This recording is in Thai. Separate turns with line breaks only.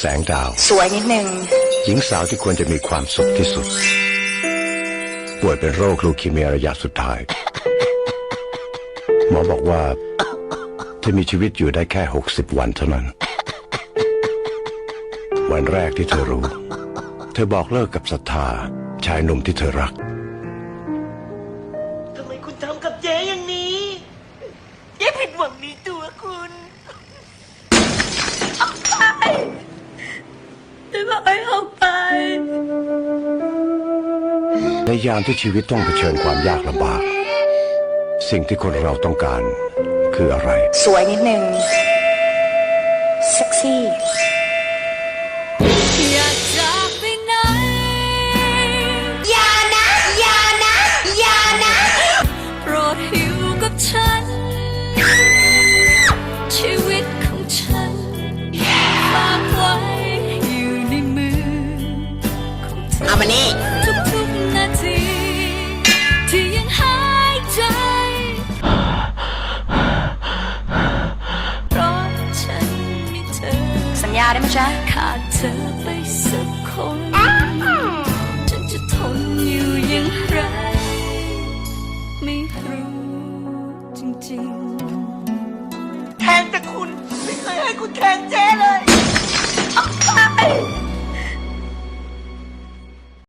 แสงดาว
สวยนิดนึง
หญิงสาวที่ควรจะมีความสุขที่สุดป่วยเป็นโรคลูคีเมียระยะสุดท้ายหมอบอกว่าเธอมีชีวิตอยู่ได้แค่60 วันเท่านั้นวันแรกที่เธอรู้เธอบอกเลิกกับศรัทธาชายหนุ่มที่เธอรัก
ทำไมคุณทำกับเจ๊อย่างนี้เจ๊ผิดหวังในตัวคุณออกไปเจ๊บอกให้ออกไป
ในยามที่ชีวิตต้องเผชิญความยากลำบากสิ่งที่คนเราต้องการคืออะไร
สวยนิดนึงเซ็กซี่
อย่าจากไปไหน
อย่านะอย่านะอย่านะ
โปรดอยู่กับฉันชีวิตของฉันฝากไว้อยู่ในมือของเธอ
เอามานี่
ทุกๆนาทีที่ยังหายใจเพราะฉันมีเธอ
สัญญาได้ไหมจ๊ะ
ขาดเธอไปสักคนฉันจะทนอยู่อย่างไรไม่รู้จริง
แทงแต่คุณไม่เคยให้คุณแทงเจ๊เลยออกไป